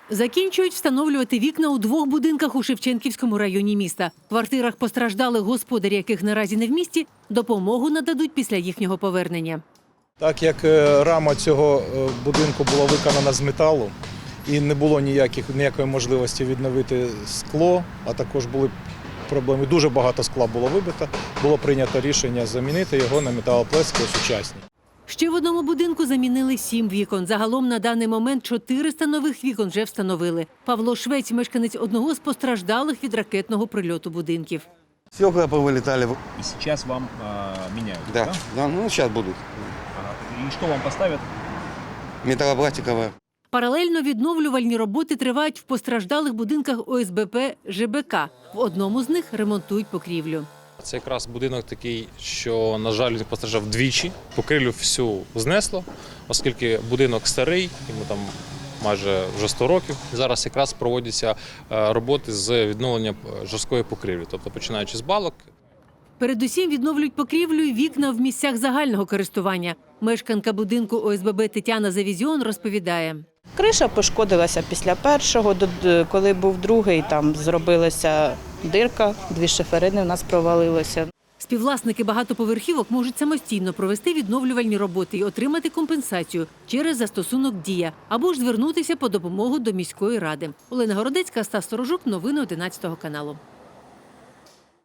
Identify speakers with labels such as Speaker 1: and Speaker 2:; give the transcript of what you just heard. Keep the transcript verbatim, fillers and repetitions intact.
Speaker 1: Закінчують встановлювати вікна у двох будинках у Шевченківському районі міста. В квартирах постраждалих, господарі яких наразі не в місті, допомогу нададуть після їхнього повернення.
Speaker 2: Так як рама цього будинку була виконана з металу і не було ніяких, ніякої можливості відновити скло, а також були проблеми, дуже багато скла було вибито, було прийнято рішення замінити його на металопластики сучасні.
Speaker 1: Ще в одному будинку замінили сім вікон. Загалом на даний момент чотириста нових вікон вже встановили. Павло Швець – мешканець одного з постраждалих від ракетного прильоту будинків.
Speaker 3: Стекла повылетали.
Speaker 4: И сейчас вам э, меняют,
Speaker 3: Да,
Speaker 4: да?
Speaker 3: да, ну сейчас будут.
Speaker 4: Ага. И что вам поставят?
Speaker 3: Металлопластиковая.
Speaker 1: Паралельно відновлювальні роботи тривають в постраждалих будинках О С Б П Ж Б К. В одному з них ремонтують покрівлю.
Speaker 5: Це якраз будинок такий, що, на жаль, він постраждав двічі. Покрівлю всю знесло, оскільки будинок старий, йому там майже вже сто років. Зараз якраз проводяться роботи з відновлення жорсткої покрівлі, тобто починаючи з балок.
Speaker 1: Передусім відновлюють покрівлю і вікна в місцях загального користування. Мешканка будинку О С Б Б Тетяна Завізіон розповідає.
Speaker 6: Криша пошкодилася після першого, коли був другий, там зробилася дирка, дві шиферини в нас провалилося.
Speaker 1: Співвласники багатоповерхівок можуть самостійно провести відновлювальні роботи і отримати компенсацію через застосунок «Дія» або ж звернутися по допомогу до міської ради. Олена Городецька, Стас Сторожук, новини одинадцятого каналу.